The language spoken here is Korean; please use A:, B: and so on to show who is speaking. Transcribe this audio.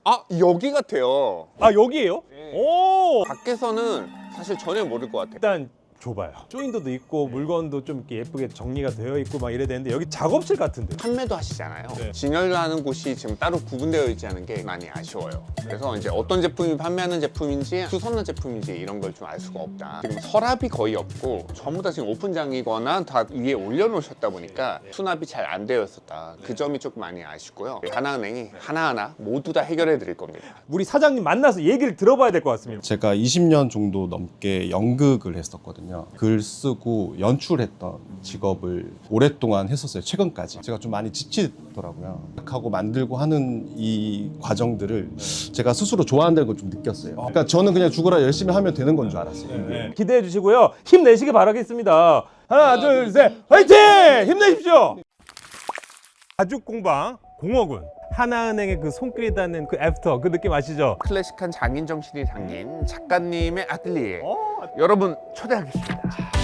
A: 아, 여기 같아요.
B: 아 여기에요?
A: 네.
B: 오.
A: 밖에서는 사실 전혀 모를 것 같아요.
B: 일단 좁아요. 조인도도 있고 물건도 좀 이렇게 예쁘게 정리가 되어 있고 막 이래야 되는데 여기 작업실 같은데.
A: 판매도 하시잖아요.
B: 네.
A: 진열하는 곳이 지금 따로 구분되어 있지 않은 게 많이 아쉬워요. 그래서 이제 어떤 제품이 판매하는 제품인지 수선화 제품인지 이런 걸 좀 알 수가 없다. 지금 서랍이 거의 없고 전부 다 지금 오픈장이거나 다 위에 올려놓으셨다 보니까 수납이 잘 안 되어 있었다. 그 점이 조금 많이 아쉽고요. 하나은행이 하나하나 모두 다 해결해 드릴 겁니다.
B: 우리 사장님 만나서 얘기를 들어봐야 될 것 같습니다.
C: 제가 20년 정도 넘게 연극을 했었거든요. 글 쓰고 연출했던 직업을 오랫동안 했었어요. 최근까지. 제가 좀 많이 지치더라고요. 하고 만들고 하는 이 과정들을 제가 스스로 좋아한다는 걸 좀 느꼈어요. 그러니까 저는 그냥 죽어라 열심히 하면 되는 건 줄 알았어요.
B: 기대해 주시고요. 힘내시길 바라겠습니다. 하나, 둘, 셋, 화이팅! 힘내십시오. 가죽공방 공허군. 하나은행의 그 손길이 닿는 그 애프터 그 느낌 아시죠?
A: 클래식한 장인 정신이 담긴 작가님의 아틀리에 여러분 초대하겠습니다.